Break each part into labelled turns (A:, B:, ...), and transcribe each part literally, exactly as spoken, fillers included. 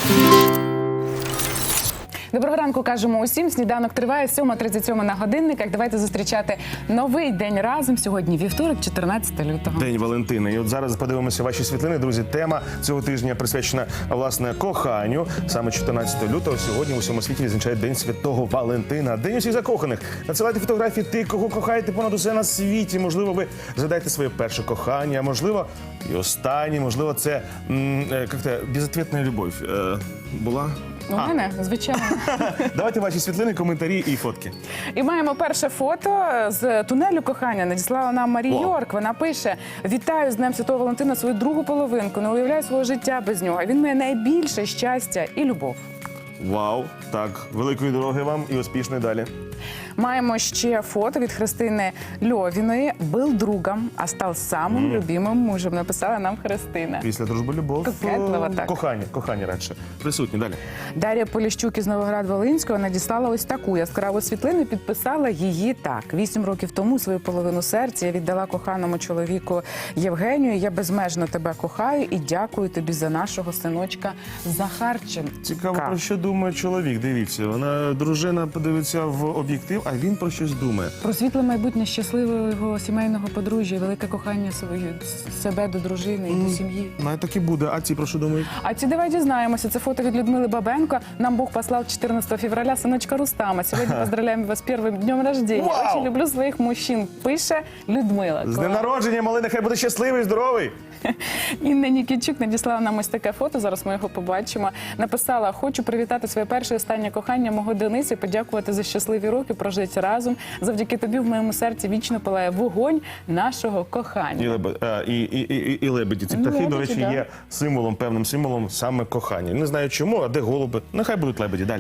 A: Доброго ранку, кажемо усім. Сніданок триває, сьома тридцять сьом на годинниках. Давайте зустрічати новий день разом. Сьогодні вівторок, чотирнадцяте лютого.
B: День Валентина. І от зараз подивимося ваші світлини. Друзі, тема цього тижня присвячена, власне, коханню. Саме чотирнадцятого лютого сьогодні в усьому світі відзначають День Святого Валентина. День усіх закоханих. Надсилайте фотографії тих, кого кохаєте понад усе на світі. Можливо, ви згадаєте своє перше кохання, можливо, і останнє. Можливо, це, як-то, безответна любов. Е, була?
A: У мене, звичайно.
B: Давайте ваші світлини, коментарі і фотки.
A: І маємо перше фото з тунелю кохання. Надіслала нам Марі
B: Вау.
A: Йорк. Вона пише: «Вітаю з Днем Святого Валентина свою другу половинку. Не уявляю свого життя без нього. Він моє найбільше щастя і любов».
B: Вау, так, великої дороги вам і успішної далі.
A: Маємо ще фото від Христини Льовіної. «Был другом, а став самим mm. любимим мужем», написала нам Христина.
B: Після дружби любов.
A: Кокетлива, так.
B: Кохання, кохання радше. Присутні, далі.
A: Дар'я Поліщук із Новоград-Волинського надіслала ось таку яскраву світлину, підписала її так. Вісім років тому свою половину серця я віддала коханому чоловіку Євгенію. Я безмежно тебе кохаю і дякую тобі за нашого синочка Захарченка.
B: Цікаво, про що думає чоловік, дивіться. Вона, дружина, подивиться в об'єктив, а він про щось думає.
A: Про світле майбутнє щасливого сімейного подружжя, велике кохання своє, себе до дружини і до сім'ї.
B: Ну, так і буде. А ці про що думають?
A: А ці давай дізнаємося. Це фото від Людмили Бабенко. Нам Бог послав чотирнадцятого февраля синочка Рустама. Сьогодні поздравляємо вас з першим днем рождения.
B: Вау!
A: Очень люблю своїх мужчин. Пише Людмила.
B: З днем народження, малий, нехай буде щасливий, здоровий.
A: Інна Нікітчук надіслала нам ось таке фото, зараз ми його побачимо. Написала: «Хочу привітати своє перше і останнє кохання мого Дениса, подякувати за щасливі роки, прожиті разом. Завдяки тобі в моєму серці вічно палає вогонь нашого кохання».
B: І, лебе, а, і, і, і, і лебеді. Ці птахи,
A: Лебеді,
B: до речі,
A: да.
B: є символом, певним символом саме кохання. Не знаю чому, а де голуби. Нехай будуть лебеді. Далі.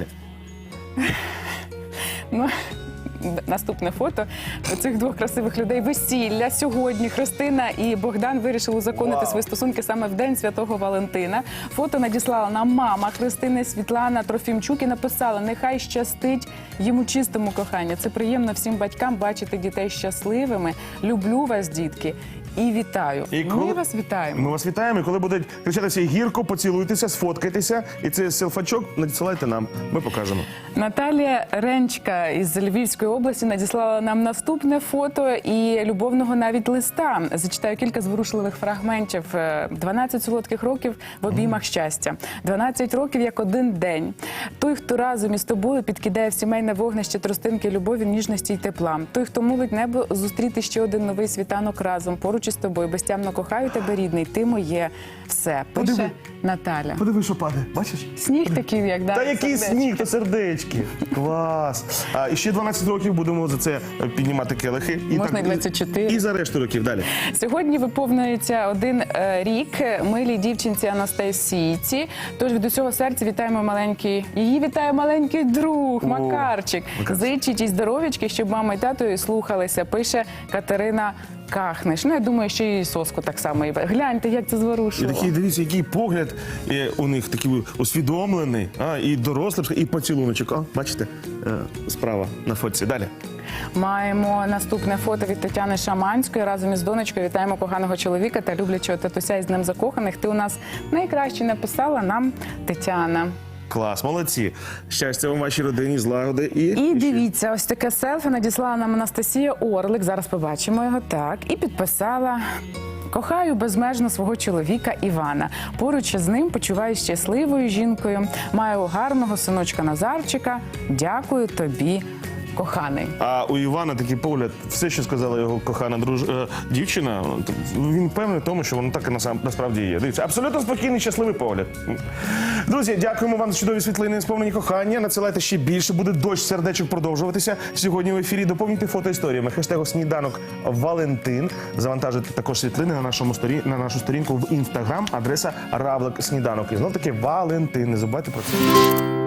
A: Ну, наступне фото цих двох красивих людей. Весілля сьогодні. Христина і Богдан вирішили узаконити
B: Вау.
A: свої стосунки саме в День Святого Валентина. Фото надіслала нам мама Христини Світлана Трофімчук і написала: «Нехай щастить йому чистому кохання. Це приємно всім батькам бачити дітей щасливими. Люблю вас, дітки. І вітаю».
B: І
A: Ми
B: коли-
A: вас вітаємо.
B: Ми вас вітаємо. І коли будуть кричатися гірко, поцілуйтеся, сфоткайтеся. І цей селфачок надсилайте нам. Ми покажемо.
A: Наталія Ренчка із Львівської області надіслала нам наступне фото і любовного навіть листа. Зачитаю кілька зворушливих фрагментів. дванадцять солодких років в обіймах щастя. дванадцять років як один день. Той, хто разом із тобою підкидає в сімейне вогнище тростинки любові, ніжності й тепла. Той, хто молить небо зустріти ще один новий світанок разом. Поруч із тобою. Безтямно кохаю тебе, рідний. Ти моє все. Пише
B: Подиви.
A: Наталя.
B: Подиви, що падає. Бачиш?
A: Сніг такий, як да,
B: Та який
A: сердечко.
B: сніг, то сердечки. Клас. А, і ще дванадцять років будемо за це піднімати келихи. І
A: Можна і двадцять чотири.
B: І за решту років. Далі.
A: Сьогодні виповнюється один е, рік милій дівчинці Анастасійці. Тож від усього серця вітаємо маленький, її вітає маленький друг
B: О,
A: Макарчик.
B: Макарчик.
A: Зичить їй здоров'ячки, щоб мама і тато її слухалися, пише Катерина Кахниш. Ну, я думаю, що і соску так само. Гляньте, як це
B: І
A: зворушило.
B: такий, дивіться, який погляд е, у них такий усвідомлений, а, і дорослий, і поцілуночок. А, бачите, е, справа на фотці. Далі.
A: Маємо наступне фото від Тетяни Шаманської. Разом із донечкою вітаємо коханого чоловіка та люблячого татуся із Днем закоханих. Ти у нас найкраще, написала нам Тетяна.
B: Клас, молодці. Щастя вам, вашій родині, злагоди і...
A: І дивіться, ось таке селфі надіслала нам Анастасія Орлик. Зараз побачимо його так. І підписала: «Кохаю безмежно свого чоловіка Івана. Поруч з ним почуваюся щасливою жінкою. Маю гарного синочка Назарчика. Дякую тобі, коханий».
B: А у Івана такий погляд, все, що сказала його кохана друж... е, дівчина, він впевнений в тому, що воно так і насам... насправді є. Дивіться, абсолютно спокійний, щасливий погляд. Друзі, дякуємо вам за чудові світлини, сповнені кохання. Надсилайте ще більше, буде дощ сердечок продовжуватися. Сьогодні в ефірі доповнюйте фотоісторіями. Хештегу «Сніданок Валентин». Завантажуйте також світлини на, нашому сторі... на нашу сторінку в Інстаграм. Адреса Равлик Сніданок. І знов таки Валентин. Не забувайте про це.